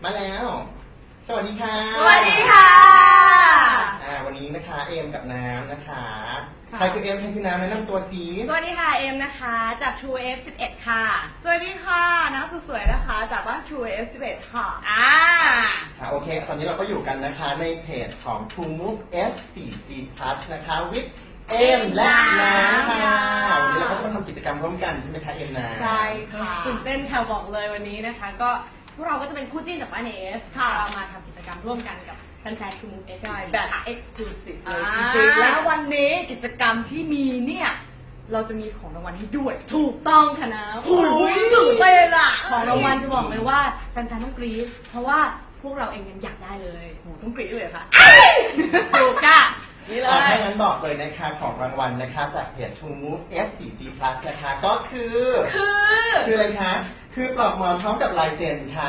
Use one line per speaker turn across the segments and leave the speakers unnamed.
มาแล้วสวัสดีค่ะ
สวัสดีค่ะ
วันนี้นะคะเอมกับน้ำนะคะใครคือเอมใครคือน้ำแนะนำตัวสิ
สวัสดีค่ะเอมนะคะจาก True F11 ค่ะ
สวัสดีค่ะน้ำสวยๆนะคะจากบ้าน True F11 ค่ะ
โอเคตอนนี้เราก็อยู่กันนะคะในเพจของ True Move F4G Plus นะคะวิทเอมและน้ำค่ะวันนี้เราก็ต้องทำกิจกรรมร่วมกันใช่ไหมคะเอมน้ำ
ใช่ค่ะตื่นเต้นค่ะบอกเลยวันนี้นะคะก็พวกเราก็จะเป็นคู่จิ้นจากบ้านเอฟค่ะเรามาทำกิจกรรมร่วมกันกับแฟนๆ True Move F4
แบบ exclusive เลยจริงๆแล้ววันนี้กิจกรรมที่มีเนี่ยเราจะมีของรางวัลให้ด้วย
ถูกต้องค่ะนะ
โอ้ยตื่นเต้นอะ
ของรางวัลจะบอกเลยว่าแฟนๆต้องกรี๊ดเพราะว่าพวกเราเองยังอยากได้เลย
โหต้องกรี๊ดเลยค่ะ
ถูกค่ะนี่เลย
ถ้างั้นบอกเลยนะคะของรางวัลนะคะจากเพจ True Move F4G Plus นะคะก็คืออะไรคะคือปลอกหมอนพร้อมกับลายเซ็นค่ะ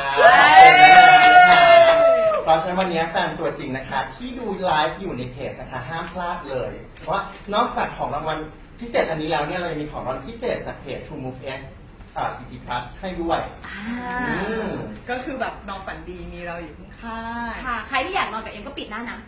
เพราะฉะนั้นวันนี้แฟนตัวจริงนะคะที่ดูไลฟ์อยู่ในเพจนะคะห้ามพลาดเลยเพราะว่านอกจากของรางวัลพิเศษอันนี้แล้วเนี่ยเรายังมีของรางวัลพิเศษจากเพจ True Move F4G Plus ให้ด้วย
ก็คือแบบนอนฝันดีมีเราอยู่ข้าง
ๆค่ะใครที่อยากนอนกับเอ็มก็ปิดหน้าน้ำไป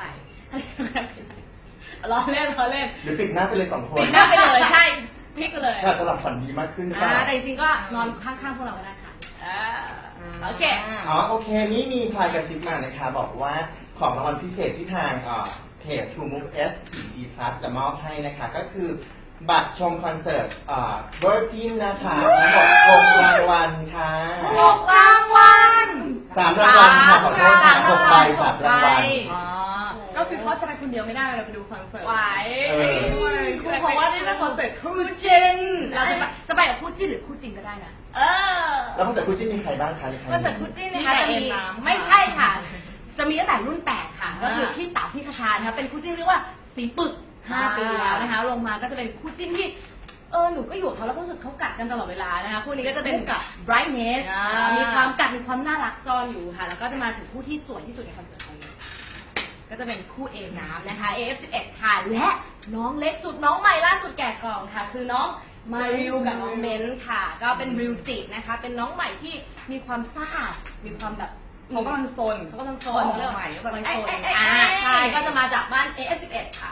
ล้อเล่น
หรือปิดหน้าไปเลย2 คน
ปิดหน้าไปเลยใช่พลิกไปเลย
จะหลับฝันดีมากขึ้น
แต่จริงๆก็นอนข้างๆพวกเราก็ได้ค่ะโอเค
โอเคนี่มีพายกระซิบมานะคะบอกว่าของรางวัลพิเศษที่ทางเพจ True Move F4G Plus จะมอบให้นะคะก็คือบัตรชมคอนเสิร์ตVirgin นะคะทั้งหมด6 รางวัลค่ะ
6 รางวัล
3 รางวัลค่ะขอโทษค่ะ6 ใบ 3 รางวัล
ก็คือเขาจะไปคนเดียวไม่ได้เราไปดูคอนเสิร์ต
ไหว
เพราะว่านี่เป็นคอนเสิร์ตคู่
จิ้นเราจะไปกับคู่จิ้นหรือคู่จริงก็ได้นะ
แล้วคอนเสิร์ตคู่จิ้นมีใครบ้างคะ
คอนเสิร์ตคู่จิ้นนะคะจะมีไม่ใช่ค่ะจะมีตั้งแต่รุ่น8ค่ะก็คือพี่เต๋าพี่คชานะคะเป็นคู่จิ้นเรียกว่าสีปึก5 ปีแล้วนะคะลงมาก็จะเป็นคู่จิ้นที่หนูก็อยู่กับเขาแล้วก็รู้สึกเขากัดกันตลอดเวลานะคะคู่นี้ก็จะเป็นกับ brightness มีความกัดมีความน่ารักซ่อนอยู่ค่ะแล้วก็จะมาถึงคู่ที่สวยที่สุดในคอนเสิร์ตนี้ก็จะเป็นคู่เอน้ำนะคะ AF11 ค่ะและน้องเล็กสุดน้องใหม่ล่าสุดแกะกล่องค่ะคือน้องมาริวกับน้องเบนซ์ค่ะก็เป็นริวจินะคะเป็นน้องใหม่ที่มีความซ่ามีความแบบ
เขากำลังโซน
เรื่อง
ใหม่กำลังโซน
ใช่ก็จะมาจากบ้าน AF11 ค่ะ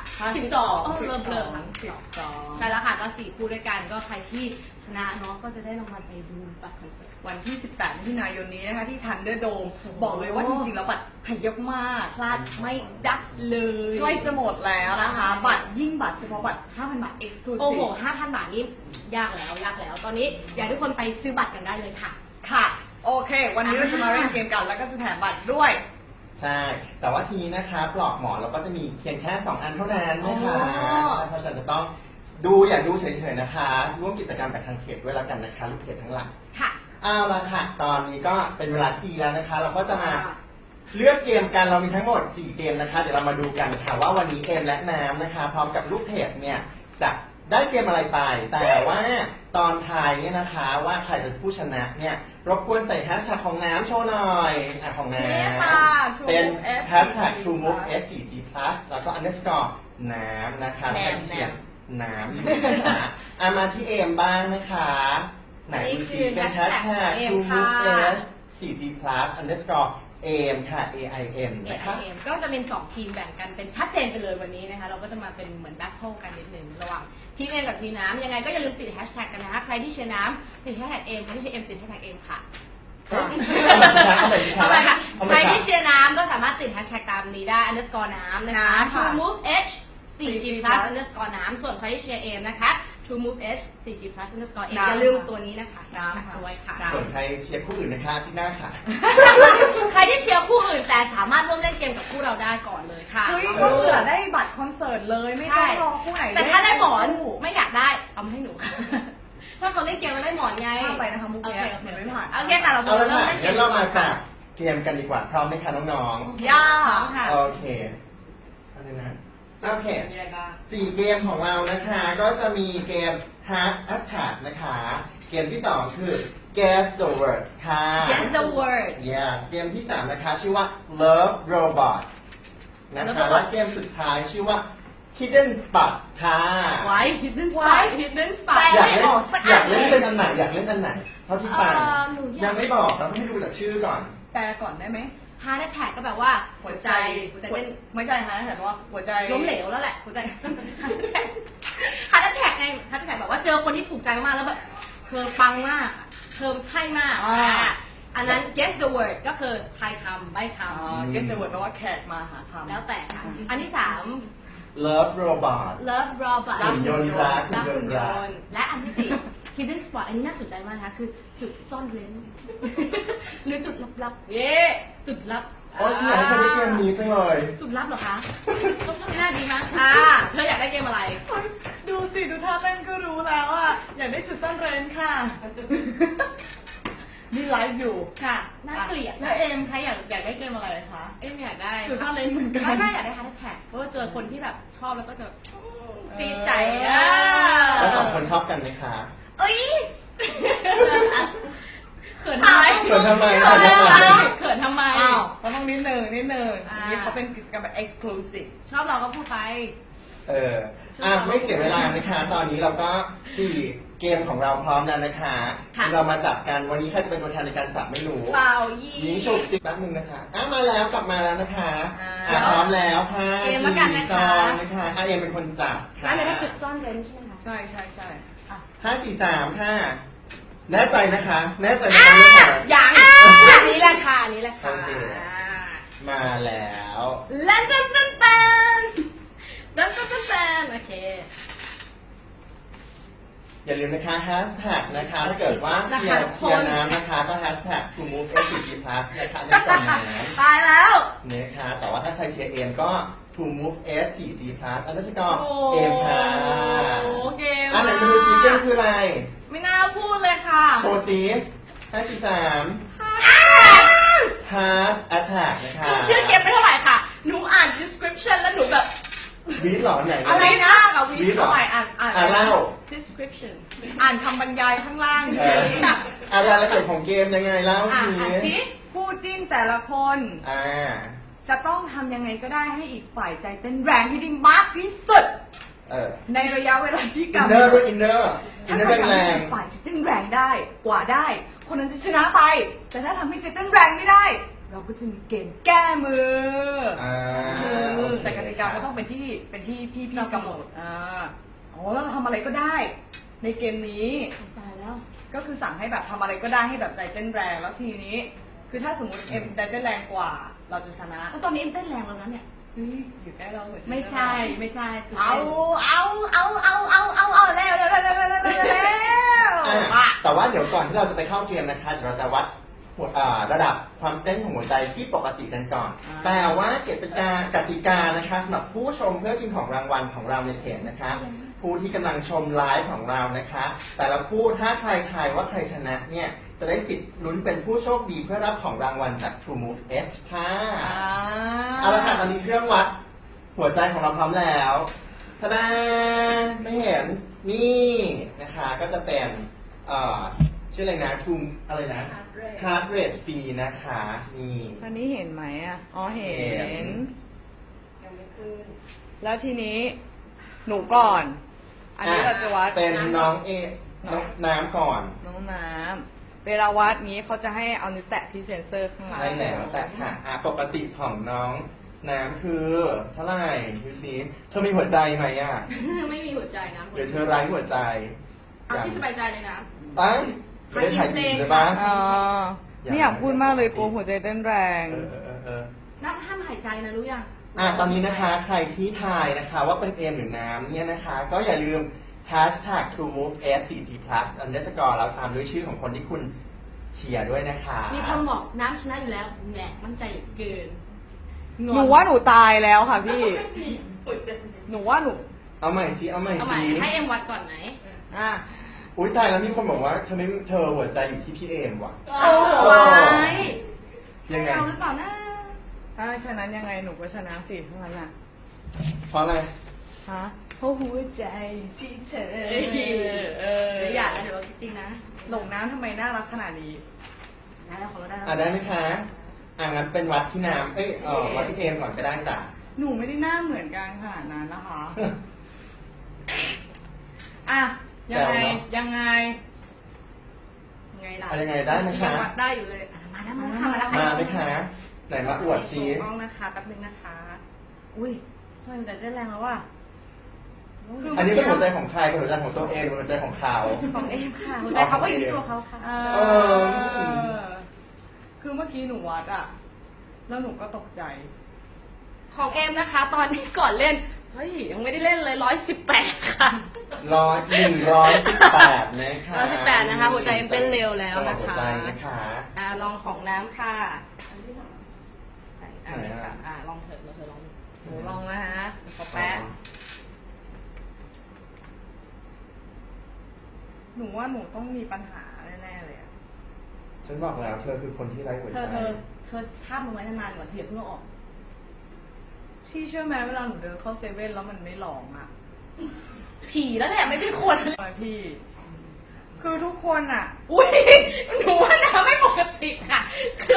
12เริ่มใช่แล้วค่ะก็4 คู่ด้วยกันก็ใครที่ชนะเนาะก็จะได้รางวัลไปดูบัตรคอนเสิร์ต
วันที่18 มิถุนายนนี้นะคะที่ทันเดอร์โดมบอกเลยว่าจริงๆแล้วบัตรหายเยอะมาก
พลาดไม่ได้เลย
ใกล้จะหมดแล้วนะคะบัตรเฉพาะบัตร 5,000 บาท exclusive
โอ้โห 5,000 บาทนี่ยากแล้วตอนนี้อยากให้ทุกคนไปซื้อบัตรกันได้เลยค่ะ
โอเควันนี้เราจะมาเล่นเกมกันแล้วก็จะแถมบัตรด้วย
ใช่แต่ว่าทีนี้นะคะปลอกหมอนเราก็จะมีเพียงแค่2 อันเท่านั้นนะคะเพราะฉะนั้นจะต้องอยากดูเฉยๆนะคะร่วมกิจกรรมกับทางเพจด้วยแล้วกันนะคะลูกเพจทั้งหลาย
ค่ะ
เอาละค่ะตอนนี้ก็เป็นเวลาที่ดีแล้วนะคะเราก็จะมาเลือกเกมกันเรามีทั้งหมด4 เกมนะคะเดี๋ยวเรามาดูกันค่ะว่าวันนี้เอมและน้ำนะคะพร้อมกับลูกเพจเนี่ยจะได้เกมอะไรไปแต่ว่าตอนท้ายเนี่ยนะคะว่าใครจะผู้ชนะเนี่ยรบกวนใส่แฮชแท็กของน้ำโชว์หน่อยของน้ำเป็นแฮชแท็ก True Move F4G Plus แล้วก็ underscore น้ำนะคะแทนเสียงน้ำมาที่เอมบ้างนะคะไหนดูสิเป็นแฮชแท็ก True Move F4G Plus underscore AIM ค่ะ AIM นะคะ
ก็จะเป็น2 ทีมแบ่งกันเป็นชัดเจนไปเลยวันนี้นะคะเราก็จะมาเป็นเหมือนแบทเทิลกันนิดนึงระหว่างทีมเอมกับทีมน้ำยังไงก็อย่าลืมติดแฮชแท็กกันนะคะใครที่เชียร์น้ำติดแฮชแท็กเอมใครที่เชียร์เอมติดแฮชแท็กเอมค่ะเอาไปค่ะใครที่เชียร์น้ำก็สามารถติดแฮชแท็กตามนี้ได้ underscore น้ำนะคะ True Move H 4G Plus underscore น้ำส่วนใครที่เชียร์เอมนะคะ True Move H 4G Plus underscore เอมอย่าลืมตัวนี้นะคะน้ำด้วยค่ะ
ส่วนใครเชียร์คู่อื่นนะคะที่หน้าค่ะ
ใครที่เชียร์คู่อื่นแต่สามารถร่วมเล่นเกมกับคู่เราได้ก่อนเลยค่ะ
ก็เผื่อได้บัตรคอนเสิร์ตเลยไม่ต้องรอคู่ไหน
แต่ถ้าได้หมอนไม่อยากได้เอามาให้หนูค่ะถ้าคนเล่นเกมมันได้หมอนไง
ไปนะคะมุกเนี้ยเหมือนไม่ผ่าน
โอเคค่ะเรา
เริ่มเล่นเกมเรามาจากเกมกันดีกว่าพร้อมไหมคะน้อง
ๆย่าค่ะ
โอเคอะไรนะโอเค4 เกมของเรานะคะก็จะมีเกม Heart Attack นะคะเกมที่2คือ Guess the Word ค่ะ
Guess the Word
เกมที่3นะคะชื่อว่า Love Robot นะคะและเกมสุดท้ายชื่อว่า Hidden Spot ค่ะ
Hidden Spot
อยากเล่นเป็นอันไหนเท่าที่ฟังยังไม่บอกเราต้องให้ดูจากชื่อก่อน
แปลก่อนได้ไหม
heart attack ก็แบบว่าหัวใจเต้น
ไม่ใช่ฮะแต่ว่าหัวใจ
ล้มเหลวแล้วแหละหัวใจ heart attack ไง heart attack แบบว่าเจอคนที่ถูกใจมากๆแล้วแบบเธอปังมากเธอใช่มากอันนั้น guess the word ก็คือทายคำใบ้คำ
guess the word แปลว่าแขกมาหาคำ
แล้วแต่ค่ะอันที่ 3
Love Robot
love robot
หุ่นยนต์รัก
รัก
หุ่
หุ่
น
น
ย
ย
นต์รัก
นต์และอันที่ 4 hidden spot อันนี้น่าสนใจมากนะคะคือจุดซ่อนเร้น หรือจุดลับๆเย้จุดลับ
โอ้ยฉันอยากให้เธอได้เกมนี้จังเลย
จุดลับเหรอคะไม่น่าดีมั้งเธออยากได้เกมอะไร
ดูสิดูท่าเต้นก็รู้แล้วอ่ะอยากได้จุดซ่อนเร้นค่ะ นี่ไลฟ์อยู่
ค่ะน่าเกลียด
แล้วเอมคะอยากได้เกมอะไรคะ
ไม่อยากได้
จุดซ่อนเร้นเหมือนกัน
ไม่อยากได้ฮาร์ดแท็กเพราะว่าเจอคนที่แบบชอบแล้วก็จะตีใจ
แล้วสองคนชอบกันไหมคะ
เอ้ยเขินทำไม
เขินทำไม
เขินทำไม
อ้าวเราต้องนิดหนึ่งนี่เขาเป็นกิจกรรมแบบ exclusive
ชอบเราก็พูดไป
ไม่เสียเวลานะคะ ตอนนี้เราก็4เกมของเราพร้อมแล้วนะคะ เรามาจับกันวันนี้ใครจะเป็นตัวแทนในการจับไม่รู้
เปล่ายี
นี่ฉุกจิกแป๊บนึงนะคะมาแล้วกลับมาแล้วนะคะพร้อมแล้วค่ะ
เกมแล้วกันนะคะ
นะคะเอ็มเป็นคนจับค่ะ
นั่นเป็นจุดซ่อนเร้นใช่ไหมคะ
ใช่อ่ะ
5 4 3ค่ะแน่ใจนะคะ แน่ใจนะคะ
อย่างนี้แหละค่ะนี้แหละค่ะ
โอเค มาแล้ว
ลันตันตันตันลันตันตันตันโอเค
อย่าลืมนะคะแฮชแท็กนะคะถ้าเกิดว่าเชียร์น้ำนะคะก็แฮชแท็ก to move SCG plus นะคะในส่วนนั้น
ตายแล้ว
นะคะแต่ว่าถ้าใครเชียร์เอ็มก็ to move SCG plus อันนั้นก็เอ็มค่ะ
โอ้เกม
อันไหนจะดูซีเกมคืออะไร
ไม่น่าพูดเลยค่ะ
โชว์ซี5 4 3 Heart Attack นะคะ
ชื่อเกมไม่เท่าไหร่ค่ะ หนูอ่าน description แล้วหนูแบบ
วีดหรอไหน
อะไรนะ
วีดหรอ เล่า
description
อ่านคำบรรยายข้างล่าง
อะไรละเอียดของเกมยังไงเล่าที
สิ
คู่จิ้นแต่ละคน จะต้องทำยังไงก็ได้ให้อีกฝ่ายใจเต้นแรงให้ได้มากที่สุด ในระยะเวลาที่
อิน
กำห
เนอร์
น
ด้วย
ด
อินเนอร์
ถ้า
แร
ใครทำ
แร
ให้
ง
อีกฝ่ายจะเต้นแรงได้กว่าได้ คนนั้นจะชนะไป แต่ถ้าทำให้ใจเต้นแรงไม่ได้ เราก็จะมีเกมแก้มือแต่กติกาก็ต้องเป็นที่พี่กำหนดแล้วเราทำอะไรก็ได้ ในเกมนี้
ตายแล้ว
ก็คือสั่งให้แบบทำอะไรก็ได้ให้แบบใจเต้นแรงแล้วทีนี้ คือถ้าสมมติเอ็มใจเต้นแรงกว่า เราจะชนะ
แล้วตอนนี้เอ็มเต้นแรงแล้วนะเนี่ย
อยู่ใกล้เราเหมือน
ไม่ใช่เร็ว
เร็ว
แต่ว่าเดี๋ยวก่อนที่เราจะไปเข้าเกมนะคะเดี๋ยวเราจะวัดระดับความเต้นของหัวใจที่ปกติกันก่อน แต่ว่ากติกานะคะสำหรับผู้ชมเพื่อชิงของรางวัลของเราในเพจนะคะ ผู้ที่กำลังชมไลฟ์ของเรานะคะ แต่ละผู้ถ้าใครทายว่าใครชนะเนี่ยจะได้สิทธิ์ลุ้นเป็นผู้โชคดีเพื่อรับของรางวัลจาก True Move H ค่ะเอาละค่ะตอนนี้เครื่องวัดหัวใจของเราพร้อมแล้วทะดาไม่เห็นนี่นะคะก็จะเป็นชื่ออะไรนะทูมอะไรนะ Heart Rate Fee นะคะนี่
ตอนนี้เห็นไหมอ่ะอ๋อเห็น
ยังไม่ขึ้น
แล้วทีนี้หนูก่อน อันนี้เราจะวัด
เป็นน้องน้ำก่อน
น้องน้ำเวลาวัดนี้เขาจะให้เอานิ้วแตะที่เซ็นเซอร์ข้างหลัง
ใช่แล้วแต่ค่ะปกติของน้องน้ำคือเท่าไหร่ดูสิเธอมีหัวใจไหมอ่ะ
ไม่มีหัวใจนะ
เดี๋ยวเธอไร้หัวใจ
เอาที่สบายใจเลยนะ
ตั้งไม่ได้ถ่ายจริงเลยปะ
ไม่อยากพูดมากเลยกลัวหัวใจเต้นแรง
นับห้ามหายใจนะรู้ยัง
ตอนนี้นะคะใครที่ทายนะคะว่าเป็นเอมหรือน้ำเนี่ยนะคะ ก็อย่าลืม hashtag TrueMove SCG Plus อันเดอร์สกอร์แล้วตามด้วยชื่อของคนที่คุณเชียร์ด้วยนะคะ
มีคนบอกน้ำชนะอยู่แล้วแหละมั่นใจเกิน
หนูว่าหนูตายแล้วค่ะพี่ หนูว่าหนู
เอาใหม่สิเอาใหม่
เอาใหม่
สิ
ให้เอ็มวัดก่อนไหน
อุ้ยตายแล้วมีคนบอกว่าเธอหัวใจอยู่ที่พี่เอมว่ะ
โอ้โห
ยังไง
เอาหรือเปล่านะ
ถ้าฉะนั้นยังไงหนูก็ชนะสิทั้งนั้นอ่ะ
เพราะอะไร
เพราะหัวใจที่เธอ
เดี๋ยวอย่านะเดี๋ยวจริงๆนะ
หลงน้ำทำไมน่ารักขนาดนี้
ได้แล้วของเราได้แล้ว
ได้ไหมคะงั้นเป็นวัดที่น้ำวัดที่เอมก่อนก็ได้จ้ะ
หนูไม่ได้หน้าเหมือนกันขนาดนั้นนะคะ ยังไง
ไงล่ะ
อะไรไงได้ไหมคะ
ยังวัดได้อยู่เลยมาแล้วค่ะมาแล้ว
มาไหมคะไหนมาอวดซิ
กล้องนะคะแป๊บนึงนะคะ อุ้ยหัวใจเต้นแรงแล้วว่ะ
อันนี้เป็นหัวใจของใครเป็นหัวใจของตัวเองเป็นหัวใจของเขา
ของเอมค่ะหัวใจเขาก็อยู่ที่ตัวเขาค่ะ
คือเมื่อกี้หนูวัดอะแล้วหนูก็ตกใจ
ของเอมนะคะ ตอนนี้ก่อนเล่นเฮ้ยยังไม่ได้เล่นเลย118ค่ะ
118นะคะ
118นะคะหัวใจเอ็มเต้นเร็วแล้วนะคะ
หัวใจนะคะ
ลองของน้ำค่ะ
ไหนอะ
ลองเถอะลองหนูลองนะฮะขอแป๊บ
หนูว่าหนูต้องมีปัญหาแน่ๆเลยอะ
ฉันบอกแล้วเธอคือคนที่ไร้หัว
เธ
ใจ
อทาบมันไว้นานๆก่อนที่อย่าเพิ่งเอาออก
ชี่เชื่อไหมเวลาหนูเดินเข้าเซเว่นแล้วมันไม่ร้องอะ
ผีแล้วแหละไม่ใช่คน
พี่ คือทุกคนอะ
อุ้ยหนูว่าน้ำไม่ปกติค่ะ คือ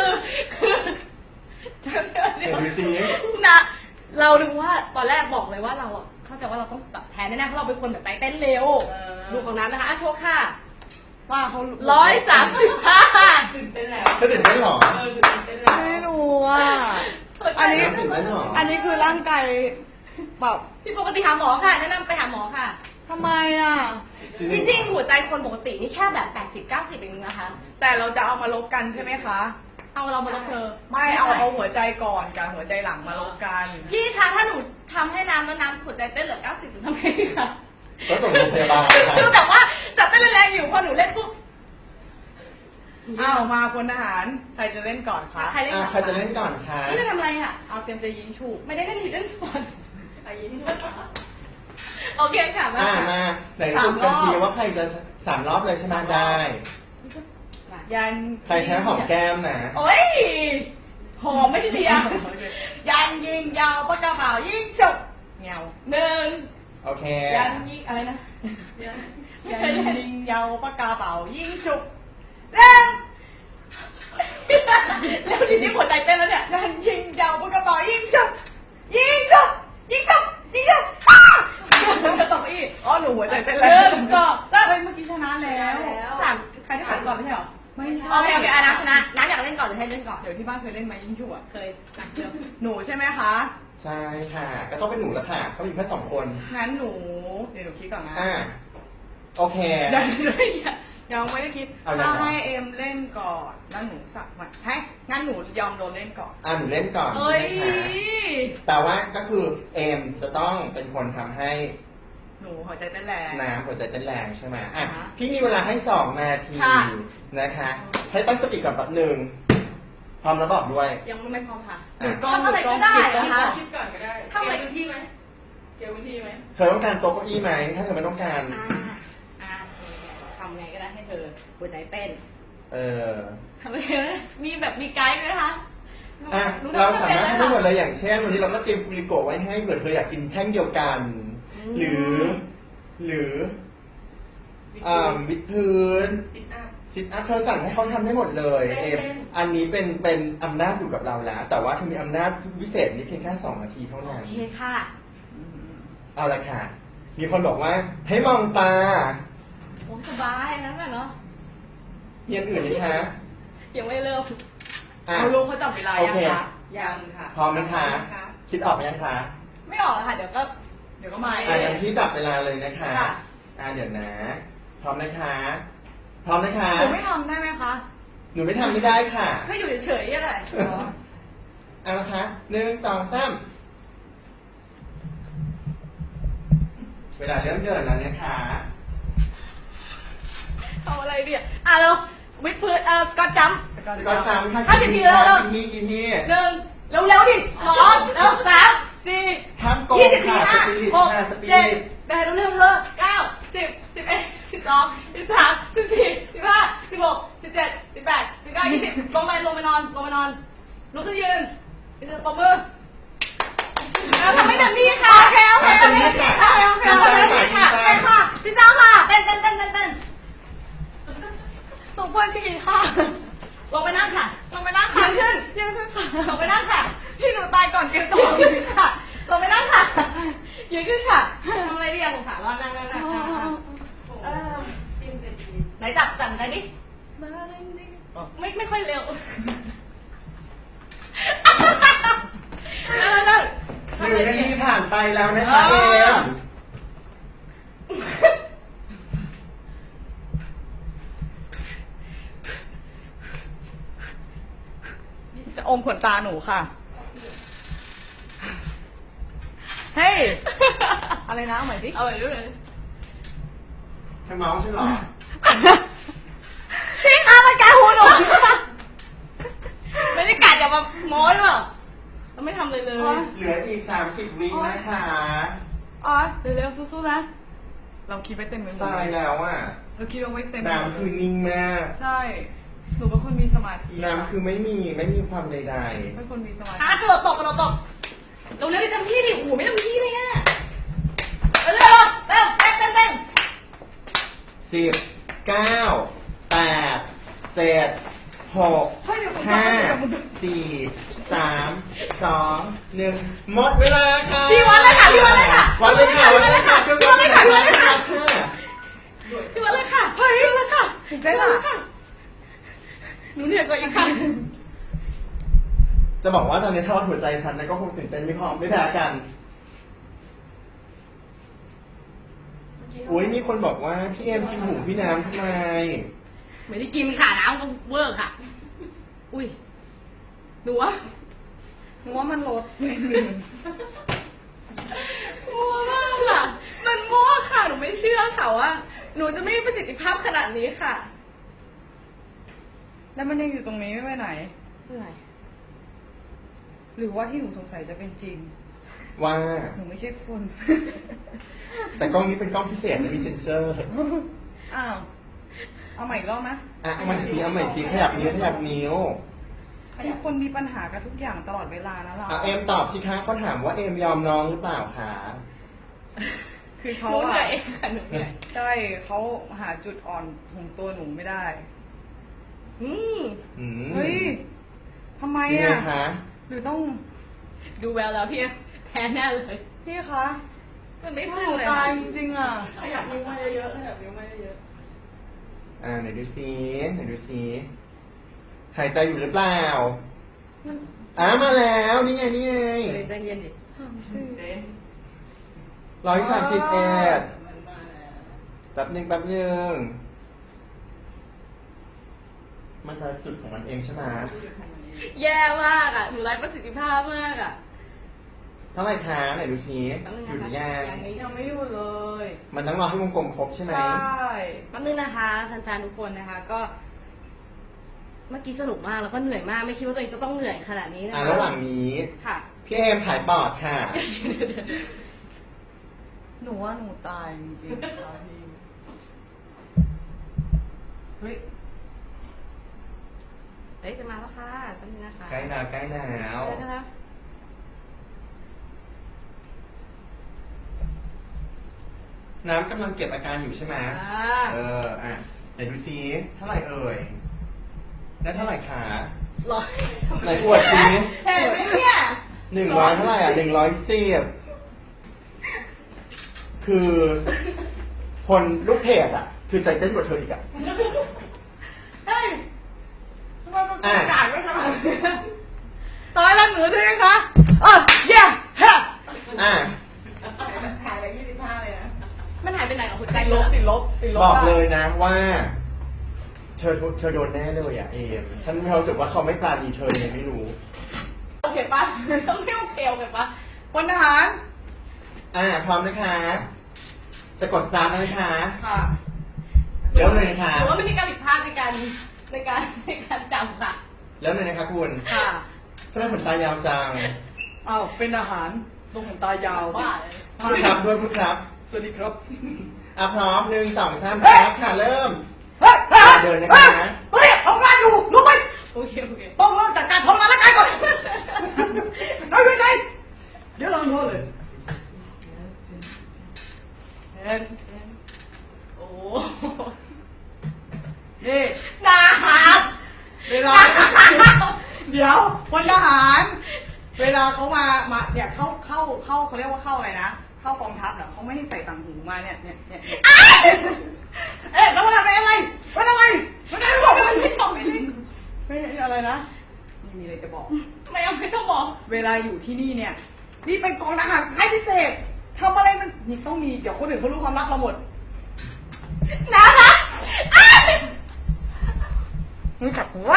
เห็นดูสิ
นะเราดูว่าตอนแรกบอกเลยว่าเราอ่ะเข้าใจว่าเราต้องแบบแพ้แน่ๆเพราะเราเป็นคนแบบใจเต้นเร็วดูของน้ำนะคะโชว์ค่ะ
ว่าเขา
135
ตื่นเต้นแล้ว
เธอตื่นเต้นเหรอ
ตื่นเต้นแล้วไม่รู้อ่ะอันนี้
ตื่นเต้นเหรอ
อันนี้คือร่างกายแบบ
พี่ปกติหาหมอค่ะแนะนำไปหาหมอค่ะ
ทำไมอ่ะ
จริงๆหัวใจคนปกตินี่แค่แบบ80-90เองนะคะ
แต่เราจะเอามาลบกันใช่ไหมคะ
เอาเรามาลบเธอ
ไม่เอาหัวใจก่อนกับหัวใจหลังมาลบกัน
พี่คะถ้าหนูทำให้น้ำแล้วน้ำหัวใจเต้นเหลือ90จะทำไงดีคะ
ก็ส่งโรงพยาบาล
คือแบบว่าจับเต้นแรงๆอยู่พอหนูเล่นปุ๊บ
อ้าวมาพลทหารใครจะเล่นก่อนคะ
ใครเล่น
ใครจะเล่นก่อนคะ
นี่จะทำอะไรอ่ะ
เอาเตรียมจะยิงฉุก
ไม่ได้เล่นฮิดเด้นสปอนยิงโอเคค่ะมา
มาไหนคุณกันทีว่าใครจะ3 รอบเลยใช่ไหมได้
ยัน
ใครแพ้หอมแก้มนะ
โอ้ยหอมไม่ได้เดียว
ยันยิงยาวปากกระเป๋ายิงฉุกเงา
1
โอเค
ยันยิงอะไรนะ
ยันยิงยาวปากกระเป๋ายิงฉุกเร็ว
แล้วทีนี้หัวใจเต้นแล้วเนี่ย
ยันยิงยาวปากกระเป๋ายิงฉุกยิงฉุกยิงฉุกยิงฉุกอ้า
จะตกอีก
อ๋อหนูหัวใจเต้น
1
แล้ว
2 3
เฮ้ยเมื่อกี้ชนะแล้ว
ใครที่ผ่านก่อนไม่ใช่หรอ
ไม่ใช่
โอเคน้ำชนะน้ำอยากเล่นก่อนหรือให้เล่นก่อน
เดี๋ยวที่บ้านเคยเล่นไหมยิงฉุกอ่ะ
เคยเดี๋ยว
หนูใช่ไหมคะ
ใช่ค่ะ ก็ต้องเป็นหนูแล้วค่ะเขามีแค่2 คน
งั้นหนูเดี๋ยวหนูคิดก่อนนะ
โอเค
ยังไม่ได้คิด
เอาอย่าง
ถ้า
ไร
ให้เอ็มเล่นก่อนแล้วหนูสักมันให้งั้นหนูยอมโดนเล่นก่อน
หนูเล่นก่อน
เอ้ย
นะคะแต่ว่าก็คือเอมจะต้องเป็นคนทำให้
หนูหัวใจเต้นแรง
น้ำหัวใจเต้นแรงใช่ไหมอ่ะ
อ่าฮะ
พี่มีเวลาให้2 นาที
ค่ะ
นะคะ ให้ตั้งสติก่อนแป๊บหนึ่งพร้อมแล้วบอกด้วย
ยังไม่พร้อมค่ะ
หนูกล้อง
ทำอะไรก็ได้
หนูกล้อง
นะคะ
คิดก่อนก็ได้
ทำอะไรอยู่ที่ไหม
เกี่ยววิธีไหม
เธอต้องการโต๊ะเก้าอี้ไหม ถ้าเธอไม่ต้องการ
ทำไงก็ได้ให้เธอหัวใจเต้น
เออ
ทำไงก็ได้มีแบบมีไกด์ไหมคะ
อ่ะ เราสามารถทำได้หมดเลยอย่างเช่นวันนี้เราก็เตรียมกุลิโกะไว้ให้เผื่อเธออยากกินแท่งเดียวกัน หรือวิดพื้นซิทอัพเธอสั่งให้เขาทำได้หมดเลยเอมอันนี้เป็นอำนาจอยู่กับเราแล้ว แต่ว่าเธอมีอำนาจพิเศษนี้เพียงแค่2 นาทีเท่า
โอ
นั้น
เคค่ะ
เอาละค่ะ มีคนบอกว่าให้มองตา
โอ้สบายนั่นแหละเนาะ
มีอันอื่นไหมคะ
ยังไม่เริ่ม
อ่ะ
เอาลุงเขาจับเวลา
โอ
ยัง
เค
คะยังค่ะ
พร้อมไหมคะ คิดออกไหมยังคะ
ไม่ออกอะค่ะ เดี๋ยวก็
เดี๋ยวก็มาเอ
อย่าง
ง
ที่จับเวลาเลยนะคะ
ค่ะ
เดี๋ยวนะ พร้อมนะคะ พร้อมนะคะ
หนูไม่ทำได้ไหมคะ
หนูไม่ทำไม่ได้ค่ะ
ก็อยู่เฉยๆอะไร
เอาละคะ1 2 3เวลาเริ่มเดินแล้วนะคะ
เอาอะไรดีอ่ะเราวิดพื้นก็จำ
ก็ตามค่ะ
50 ทีแล้ว
กินนี่
1เร็วๆดิ2แล้ว3 4
ห้ามโกง
20
ค่ะ
ค่ะ
สปีด
6
ค่ะสปีด
7 8เร็วๆ9 10 11 12 13 14 15 16 17 18 19 20ลงไปนอนลุกขึ้นยืนปรบมือทำให้เต็มที่ค่ะโอเคทำให้เต็มที่ค่ะโอเคค่ะเต้นค่ะพี่เจ้าค่ะเต้นสมควรฉี่ค่ะลงไปนั่งค่ะยืนขึ้นค่ะลงไปนั่งค่ะพี่หนูตายก่อนเกมต่อยืนขึ้นค่ะลงไปนั่งค่ะยืนขึ้นค่ะทำอะไรดีอะสงสารร้อนนั่งไหนจับไหนดิไม่ค่อยเร็ว
หนึ่งนาทีผ่านไปแล้วนะคะเอม
จะอมขนตาหนูค่ะ เฮ้ย อะไรนะเอาใหม่สิ
เอาไปด้วยเลย
ให้เมาส์ใช่หรอ
พี่คะมันกัดหูหนูไม่ได้กัดอย่ามาโม้ด้วยเราไม่ทำเลยเลย
เหลืออีก30 วินะคะ
อ๋อเร็วๆสู้ๆนะ เราคิดไว้เต็มไปหมด
ตายแล้วอ่ะ
เราคิดเอาไว้เต็มไปหมด
น้ำคือนิ่งมาก
ใช่ หนูเป็นคนมีสมาธิ
น้ำคือไม่มีความใด
เป็นคนมีสมาธิ
กระโดดตกเราเร็วๆไปทำที่ดิโอ้โหไม่ทำที่เลยอ่ะเร็วเต้น
ๆ10 9 8 7 6 5 4 3 2 1หมดเวลาค่ะ
พี่วันเลยค่ะพี่วันเลยค่ะ
วันเลยค่ะวันเลยค่ะ
พี่วันเลยค่ะพี่วันเลยค่ะ
ค่ะ
พี่วันเลยค่ะเฮ้ยพี่วันเลยค่ะ
ถึงได้ป่ะ
หนูเหนื่อยกว่าอีกค่ะ
จะบอกว่าตอนนี้ถ้าวัดหัวใจฉันนะก็คงตื่นเต้นไม่พอไม่แพ้กันโอ้ยมีคนบอกว่าพี่เอ็มกินหูพี่น้ำทำไม
ไม่ได้กินค่ะน้ำก็เวอร์ค่ะ อุ้ยหนูว่า
มันลด
มั่วมากค่ะ มันมั่วค่ะ หนูไม่เชื่อค่ะว่า หนูจะไม่มีประสิทธิภาพขนาดนี้ค่ะ
แล้วมันยังอยู่ตรงนี้ไม่ไปไหน
เหนื่อย
หรือว่าที่หนูสงสัยจะเป็นจริง
ว่า
หนูไม่ใช่คน
แต่กล้องนี้เป็นกล้องพิเศษนะมีเซนเซอร์
อ้าว เอาใหม่อีกรอบไหม
อ่ะเอาใหม่ทีขยับนิ้ว
ทุกคนมีปัญหากับทุกอย่างตลอดเวลานะเรา
เอ็มตอบสิคะเขาถามว่าเอ็มยอมน้องหรือเปล่าคะ
คือ
ห
เขา
นูเหนื่
อะ
อยค่ะหนูเหนื่อย
ใช่เขาหาจุดอ่อนของตัวหนูไม่ได้
อืม
อืม
เฮ้ยทำไม
ยังไง
อะ
คะ
หรือต้อง
ดูแววแล้วพี่แพ้แน่เลย
พี่คะ
มันไม่
ห
พึ่ง
นู
เลย
ตายจริงๆอะ
ขยับนิ้วมาเยอะๆขยับนิ้วมาเยอะ
ไหนดูซิหายใจอยู่หรือเปล่า มาแล้วนี่ไง
ๆใจเย็นดิ
131แป๊บนึงมันจะจุดของมันเองใช่ไหม
แย่มากอ่ะหนูไร้ประสิทธิภาพมากอ่ะ
เท่าไหร่คะไหนดูซิ
แป๊บนึง
หยุดหรือ
นะ
ยั
คะ
ง
ยังไม่อยู่เลย
มันต้องรอให้วงกลมครบใช่ไหม
ใช่
แป๊บนึงนะคะแฟนๆทุกคนนะคะ ก็ เมื่อกี้สนุกมากแล้วก็เหนื่อยมาก ไม่คิดว่าตัวเองจะต้องเหนื่อยขนาดนี้นะคะ
ระหว่างนี้
ค่ะ
พี่เอมถ่ายปอดค่ะ
หนูว่าหนูตายจริงๆค่ะพี่เฮ้ย
เฮ้ยจะมาแล้วค่ะแป๊บนึงนะคะ
ใกล้หนาว
ได้แล้ว
น้ำกำลังเก็บอาการอยู่ใช่ไหม ไหนดูซิเท่าไหร่เอ่ยได้เท่าไหร่คะ
ร้อย
ไหนอวดซิ
เห็นไหมเนี่ย
100เท่าไหร่110คือคนลูกเพจคือใจเต้นกว่าเธออีก
เฮ้ยทำไมมัน
อ่ะ
กาดไม่ขนาดนี้ตายแล้วหนูใช่ไหมคะเย้ฮะ
หายไป25เลยนะมันหายไปไหนกับหัวใจ
ติดลบ
บอกเลยนะว่าเธอโดนแน่เลยเอมฉันมีความรู้สึกว่าเขาไม่ปราณีเธอยังไม่รู้
โอเคปะต้องไม่โอเคโอเคปะ
พลทหาร
พร้อมนะคะ จะกดสตาร์ทแล้วนะคะ
ค่ะ
เริ่มเลยนะคะ
หรือว่าไม่มีการผิดพลาดในการจำค่ะ
เริ่มเลยนะคะคุณ
ค่ะ
ทำไมขนตายาวจัง
อ้าวเป็นทหารตรงขนตายาว
บ้าเลย
พูดครับด้วยพูดครับ
สวัสดีครับ
พร้อม1 2 3
เฮ้ย
ครับค่ะเริ่ม
เฮ้ย
เดินนะคะ
เฮ้ยทำงานอยู่ลุกไป
โอเคโอเค
ต้องเริ่มจากการทำงานร่างกายก่อนเอาอยู่ไหนเดี๋ยวเราโน้เลยเห็น
โอ้
นี่
นะครับ
เวลาเดี๋ยวพลทหาร เวลาเขามาเนี่ยเข้าเขาเรียกว่าเข้าอะไรนะ เข้เข้ากองทัพเหรอเขาไม่ให้ใส่ต่างหูมาเนี่ยแล้วมันอะไรมันอะไรไม่ชอบไม่อะไรนะมีอะไรจะบอก
ไม่ต้องบอก
เวลาอยู่ที่นี่เนี่ยนี่เป็นกองทหารค่ายพิเศษทำอะไรมันนี่ต้องมีเดี๋ยวคนอื่นเขารู้ความลับเราหมด
น่ารัก
รู้จักหัว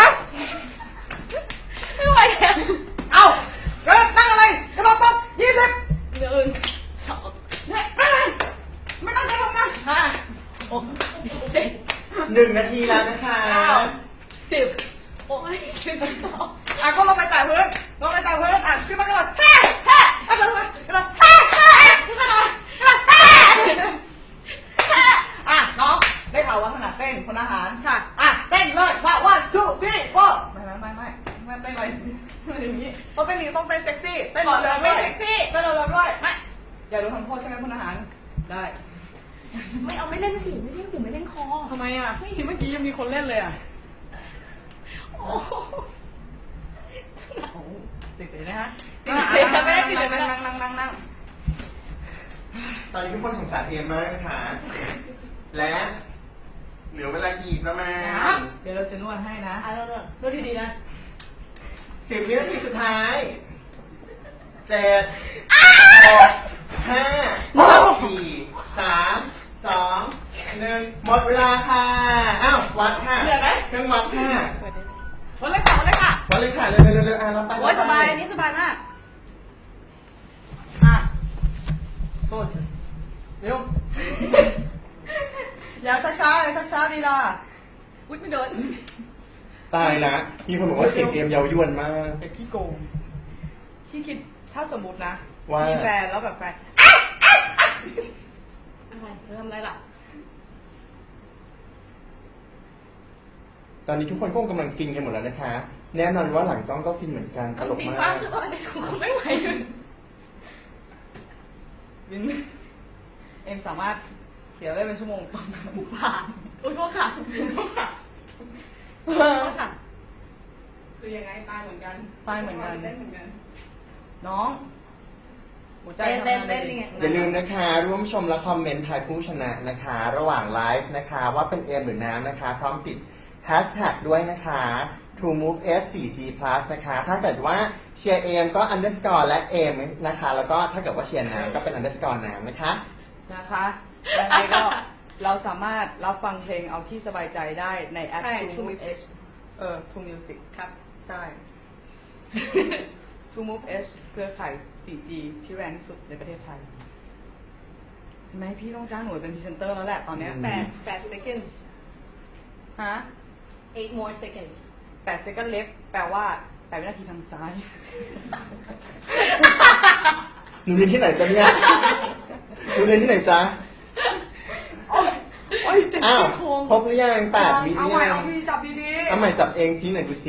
ไม่ไหวแล้ว
เอาเริ่มตั้งอะไรกระโดดตบ20
1 2
ไม่ต้องใช้ทำงาน
5 6 7
1 นาทีแล้วนะคะ
10 โอ้ย12
ก็ลงไปแตะพื้นขึ้นมากระโดดกระโดดน้องได้ข่าวว่าขนาดเต้นคนอาหารค่ะเต้นเลยว่า1 2 3 4ไม่เต้นเลยอย่างนี้ต้องเต้นต้องเต้นเซ็กซี่เต้นเลยด้วยเต้นเลยด้วยไม่อย่าโดนทำโทษใช่ไหมคนอาหารได้
ไม่เล่นสิไม่เล่นหูไม่เล่นคอ
ทำไมอ่ะทีเมื่อกี้ยังมีคนเล่นเลยอ่ะ
โอ้
ติดเลยนะฮะ นั่ง
ตอนนี้ทุกคนสงสารเอมมากนะคะ และเหลือเวลาอีกประมาณ
เดี๋ยวเราจะนวดให้นะ
ดูดีๆนะ
10 วินาทีสุดท้าย 7 6 5 4 3 2 1 หมดเวลาค่ะ อ้าว วัดค่ะ เครื่องวัดค่ะ
วันเลยค่ะ
วัดเลยค่ะ เร็วเราไป
โอ้ยสบายอันนี้สบายมาก
โทษเร็วอย่าช้าดีล่ะ
อุ๊ยไม่โดน
ตายนะมีคนบอกว่าเสียงเอมเยาวยวนมาก
เป็นขี้โกงที่คิดถ้าสมมตินะ
ว่า
มีแฟนแล้วแบบแฟน
อะไรเธอทำอะไรล่ะ
ตอนนี้ทุกคนก็กำลังฟินกันหมดแล้วนะคะ แน่นอนว่าหลังกล้องก็ฟินเหมือนกันตลก
สี
มา
ฟ้าก คือตอนนี้คงไม่ไหวเลย
วินเอ็มสามารถเสียได้เป็นชั่วโมงตอนนั้น
ผ่านอุ้ยโทษค่ะ ค่ะ
คือยังไงตายเหมือนกันได้เหมือนกันน้องหัวใจ
เต้นยังไง
อย่าลืมนะคะ ร่วมชมและคอมเมนต์ทายผู้ชนะนะคะ ระหว่างไลฟ์นะคะ ว่าเป็นเอมหรือน้ำนะคะ พร้อมติดแฮชแท็กด้วยนะคะ TrueMoveS4G+ นะคะ ถ้าเกิดว่าเชียร์เอมก็ underscore และเอมนะคะ แล้วก็ถ้าเกิดว่าเชียร์น้ำก็เป็น underscore น้ำนะคะ
นะคะยังไงก็เราสามารถรับฟังเพลงเอาที่สบายใจได้ในแอป True Music True Music ครับใช่ True Move S เครือข่าย 4G ที่แรงที่สุดในประเทศไทยเห็นไหมพี่ต้องจ้างหน่วยเป็นพรีเซนเตอร์แล้วแหละตอนเนี้ย
8 seconds
ฮะ
8 more seconds
8 second left แปลว่า8 วินาทีทางซ้าย
หนูเรียนที่ไหนจ๊ะเนี่ยหนูเรียนที่ไหนจ๊ะ
โอ้ยเจ็บ
อ้าว
ซี่โครง
ครบหรือยัง8 วิห
เอา
รือ
ใหม่
ยัง
เอาพี่จับดีๆ
เอาใหม่จับเองทีไหนดูซิ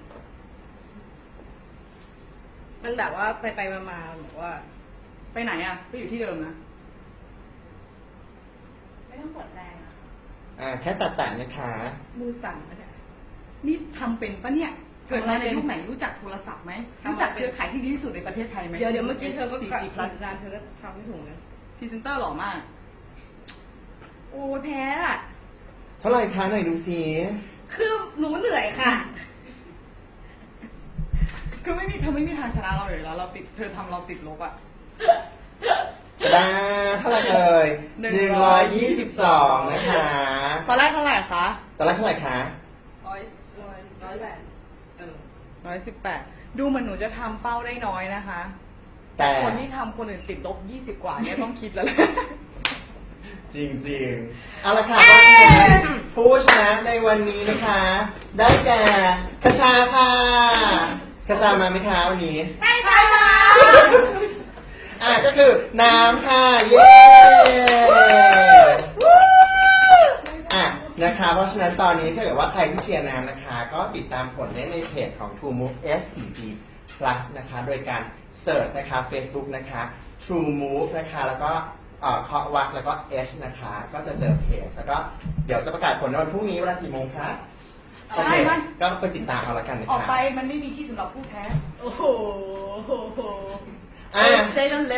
มันแบบว่าไปมาแบบว่า
ไปไหนอ่ะก็อยู่ที่เดิมนะ
ไม่ต้องกดแรงอะ
แค่ตัดนะคะ
มือสั่นนะเนี่ยนี่ทำเป็นปะเนี่ยเกิดมาในยุคไหนรู้จักโทรศัพท์ไหมรู้จักเครือข่ายที่ดีที่สุดในประเทศไทยไหม
เดี๋ยวเมื่อกี้เธอก็
4G Plus
จานเธอก็ทำไม่ถูกนะ
พรีเซนเตอร์หล่อมาก โอ้แพ้อะ
เท่าไหร่คะไหนดูซิ
คือหนูเหนื่อยค่ะ
คือเธอไม่มีทางชนะเราอยู่แล้วเธอทำเราติดลบอ่ะ
ได้เท่าไหร่เอ่ย122นะคะ
ตอนแรกเท่าไหร่คะ
ตอนแรกเท่าไหร่คะ
118ดูเหมือนหนูจะทำเป้าได้น้อยนะคะ
แต่
คนที่ทำคนอื่นติดลบ20 กว่าเนี่ยต้องคิดแล้วแหละ
จริงๆ เอาละค่ะก็ผู้ชนะในวันนี้นะคะ ได้แก่คชาค่ะคชามาไหมคะวันนี้
ไม่ใช่ค่ะ
ก็คือน้ำค่ะ เย้ นะคะ เพราะฉะนั้นตอนนี้ถ้าเกิดว่าใครที่เชียร์น้ำนะคะ ก็ติดตามผลได้ในเพจของ True Move S4G Plus นะคะ โดยการเสิร์ชนะคะ Facebook นะคะ True Move นะคะ แล้วก็เคาะวักแล้วก็ S นะคะ ก็จะเจอเพจ แล้วก็เดี๋ยวจะประกาศผลในวันพรุ่งนี้เวลากี่โมงคะโอเคก็ไปติดตามเอาละกันนะคะ
ออกไปมันไม่มีที่สำหรับผู้แพ้
โอ้โห
Stay on left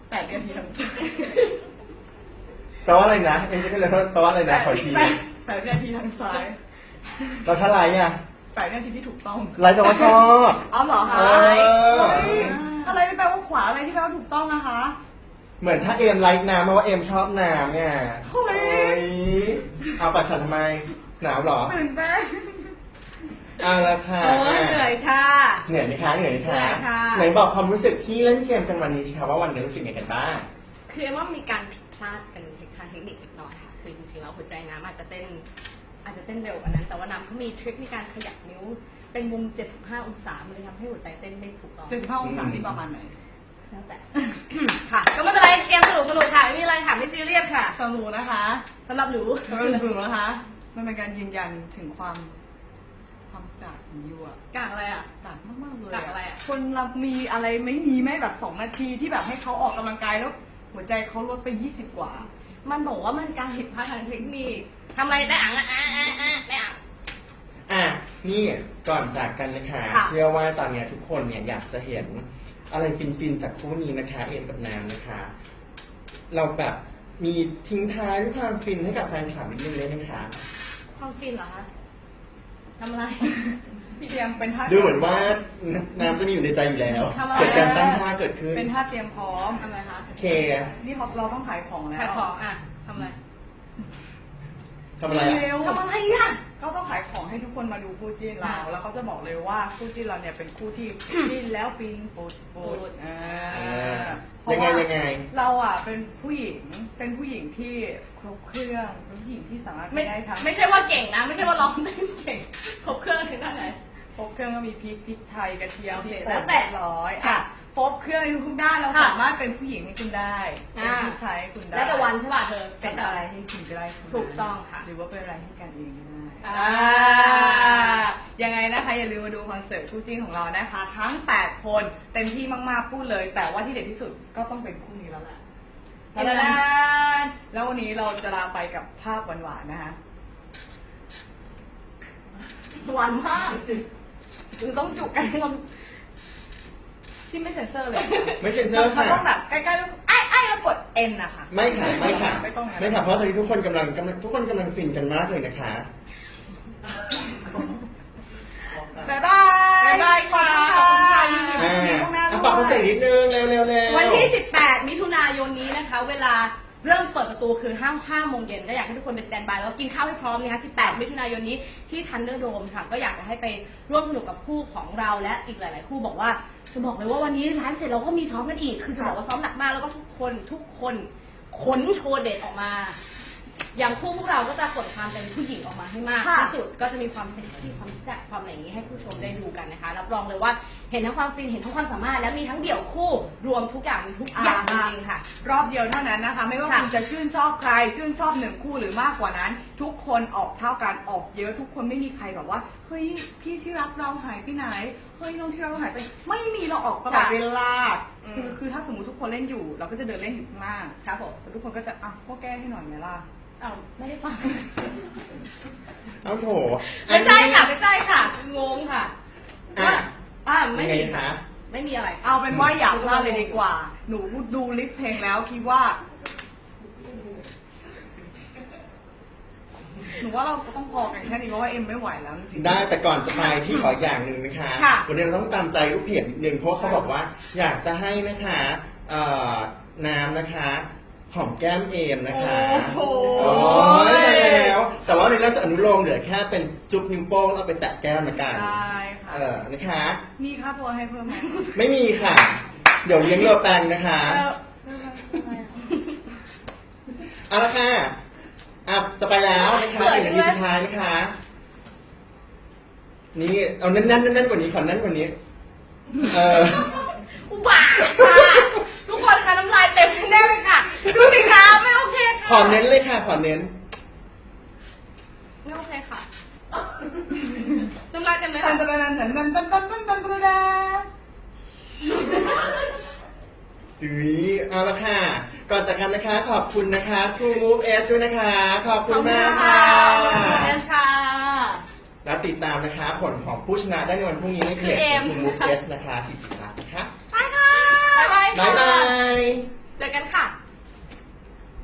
8 นาทีทางซ้าย
แปลว่าอะไรนะเอ็มจะเลยแปลว่าอะไรนะขออีกที
8 นาทีทางซ้าย
เราถ้าไรอ่ะ
8 นาทีที่ถูกต้อง
ไรแปลว่าชอบ
เอาเหรอคะ
เออ
เฮ้ยอะไรแปลว่าขวาอะไรที่แปลว่าถูกต้องนะคะ
เหมือนถ้าเอ็มไลค์น้ำมาว่าเอ็มชอบน้ำเนี่ย
เฮ้ย
เอาปัดฉันทำไมหนาวเหรอ
ตื่นเต้น
เอาละค่ะ
โอ้ยเหนื่อยค่ะ
เหนื่อยไหมคะเหนื่อยไหม
เหนื่
คะ
อยค่ะ
ไหนบอกความรู้สึกที่เล่นเกมกันวันนี้สิคะว่าวันนี้รู้สึกยังไงกันบ้าง
คือเอ็มว่ามีการผิดพลาดกันทางเทคนิคเล็กน้อยค่ะคือจริงๆแล้วหัวใจน้ำอาจจะเต้นเร็วกว่านั้น แต่ว่าน้ำเขามีทริคในการขยับนิ้ว เป็นมุม 75 องศามันเลยทำให้หัวใจเต้นไม่ถูกต้อง
75 องศาที่ประมาณไหน
แล้วแต่ ค่ะ ก็ไม่เป็นไรเกมสนุกค่ะไม่มีอะไรค่ะไม่ซีเรียสค่ะ
สำหรับนะคะ
สำหรับหนู
สำหรับหนูนะคะ มันเป็นการยืนยันถึงความกากของยูอะ
กากอะไรอ่ะ
กากมากๆเลย
กากอะไรอะ
คนเรามีอะไรไม่มีแม่แบบ2 นาทีที่แบบให้เขาออกกำลังกายแล้ว หัวใจเขาลดไป20 กว่า
มันบอกว่ามันการผิดพลาดทางเทคนิคทำอะไรได้อ่ะได้อ่ะ
อ่ะนี่ก่อนจากกันนะคะ
ค่ะ
เชื่อว่าตอนเนี้ยทุกคนเนี่ยอยากจะเห็นอะไรฟินๆจากคู่นี้นะคะเอ็มกับน้ำนะคะ เราแบบมีทิ้งท้ายด้วยความฟินให้กับแฟนคลับนิดนึงเลยนะคะ
ความฟินเหรอคะทำอะไร
พี่เตรียมเป็นท่า
ดูเหมือนว่าน้ำจะมีอยู่ในใจอยู่แล้ว
ทำอะไร
เกิดการตั้งท่าเกิดขึ้น
เป็นท่าเตรียมพร้อม
ทำอะไรคะ
โอเค
นี่เราต้องขายของแล้ว
ขายของอ่ะทำอะไร
ทำอะไรอ่ะ
เร็ว
ทำอะไรอ่ะ
ก็ต้องขายของให้ทุกคนมาดูคู่จิ้นเรา แล้วเขาจะบอกเลยว่าคู่จิ้นเราเนี่ยเป็นคู่ที่จิ้นแล้วปิงปุดปุดเพราะว่า
ยังไง
เราอ่ะเป็นผู้หญิงที่ครบเครื่องเป็นผู้หญิงที่สามารถ
ไม่
ได้ทั้ง
ไม่ใช่ว่าเก่งนะ ไม่ใช่ว่าร้องเต้นเก่งครบเครื่องถึงด้านไหน
ครบเครื่องก็มีพริกไทยกระเทียม
โอ
พ
เค
ริก
แล้วแต่
ร้อย
ค่ะ
ครบเครื่องในทุกด้านเรา
ค่ะ
สามารถเป็นผู้หญิงให้คุณได้เป็นผู้ชายให้คุณได้
แล้วแต่วันใช่ป่ะเธอ
เป็นอะไรให้คุณก็ได้คุณ
ถูกต้องค่ะ
หรือว่าเป็นอะไรให้กันเองก็ได้
อ่า
ยังไงนะคะอย่าลืมมาดูคอนเสิร์ตคู่จิ้นของเรานะคะ ทั้ง 8 คนเต็มที่มากๆพูดเลย แต่ว่าที่เด็ดที่สุดก็ต้องเป็นคู่นี้แล้วแหละแล้ววันนี้เราจะลาไปกับภาพหวานๆนะคะ
หวานมากคือต้องจุกกันที่เราที่ไม่เซ็นเซอร์เลย
ไม่เซ็นเซอร์ค่ะ
มันต้องแบบใกล้ๆแล้วไอ้แล้วกด N นะคะ
ไม่ค่ะไม่ค่ะ
ไม่ต้องนะ
ไม่ค่ะเพราะตอนนี้ทุกคนกำลังทุกคนกำลังฟินกันมากเลยนะคะ
บ๊ายบาย
บ๊ายบายค่ะ
ขอบคุณค่ะยินดีกับพี่ข้างหน้าด้
ฝากคอนเสิร์ต
วย
นิดนึงเร็วๆ
วันที่ 18 มิถุนายนนี้นะคะ เวลาเริ่มเปิดประตูคือ5 โมงเย็นก็อยากให้ทุกคนไปสแตนบายแล้วกินข้าวให้พร้อมนะคะ 18 มิถุนายนนี้ที่ทันเดอร์โดมค่ะ ก็อยากจะให้ไปร่วมสนุกกับคู่ของเราและอีกหลาย ๆ คู่บอกว่าจะบอกเลยว่าวันนี้ร้านเสร็จเราก็มีซ้อมกันอีก คือจะบอกว่าซ้อมหนักมากแล้วก็ทุกคนขนโชว์เด็ดออกมา อย่างคู่พวกเราก็จะขนความเป็นผู้หญิงออกมาให้มาก
ค่ะ
ที่สุดก็จะมีความเซ็กซี่ความแซ่บความอะไรอย่างนี้ให้ผู้ชมได้ดูกันนะคะรับรองเลยว่าเห็นทั้งความฟินเห็นทั้งความสามารถและมีทั้งเดี่ยวคู่รวมทุกอย่างมีทุกอย่างจริงๆค่ะ
รอบเดียวเท่านั้นนะคะ ไม่ว่า
ค่ะ
คุณจะชื่นชอบใคร ชื่นชอบ1 คู่หรือมากกว่านั้น ทุกคนออกเท่ากันออกเยอะทุกคนไม่มีใครแบบว่าเฮ้ยพี่ที่รักเราหายไปไหนเฮ้ยน้องที่รักเราหายไปไม่มีเราออกตลอดเวลาคือถ้าสมมติทุกคนเล่นอยู่ เราก็จะเดินเล่นอยู่ข้างล่าง
ครับผม
แต่ทุกคนก็จะอ่ะก็แก้ให้หน่อยไหมล่ะ
อ้าวไม่ได้ฟัง
เอาโถ
ไม่ใช่ค่ะไม่ใช่ค่ะงงค่ะ
อ่ะ
ไม่
ยัง
มี
ไงคะ
ไม่มีอะไร
เอาเป็นว่าอย่าพลาดเลยดีกว่า หนูดูลิสต์เพลงแล้วคิดว่า หนูว่าเราต้องพอกันแค่นี้เพราะว่าเอ็มไม่ไหวแล้วจริงๆ
ได้แต่ก่อนจะไปที่ขออย่างหนึ่งนะคะ
ค่ะ
วันนี้เราต้องตามใจลูกเพจนิดนึงเพราะว่าเขาบอกว่า อยากจะให้นะคะน้ำนะคะหอมแก้มเอมนะคะ
โอ้โห
โอ้ยได้แล้ว แต่ว่าในเราจะอนุโลมเหลือแค่เป็นจุ๊บนิ้วโป้งแล้วไปแตะแก้มละกัน
ได้ค่ะ
นะคะ
มีค่าตัวให้เพิ่มไหม
ไม่มีค่ะ เดี๋ยวเลี้ยงเรือแปลงนะคะ เอาละค่ะจะไปแล้วนะคะถึงนาทีสุดท้ายนะคะ นี่เอาแน่นๆกว่านี้ขอแน่นกว่านี้
อุบาทค่ะทุกคนคะน้ำลายเต็มแน่เลยค่ะดูสิคะไม่โอเคค่ะ
ขอเน้นเลยค่ะ ขอเน้น
ไม่โอเคค่ะน้ำลายเต็มเลย
ตั
ค่ะ
นตันตันตันตันตันตันตันตันตัน
จุ๊ยเอาละค่ะ ก่อนจากกันนะคะ ขอบคุณนะคะ True Move S ด้วยนะคะ ขอบคุณมากค่ะ
ขอบคุณค่ะ
แล้วติดตามนะคะ ผลของผู้ชนะได้ในวันพรุ่งนี้ในเพจ
คือเอ็ม
True Move S นะคะติดตามนะคะ
ไปค่ะบ๊ายบาย
บ๊าย
ค่ะ
บาย
เจอกันค่ะ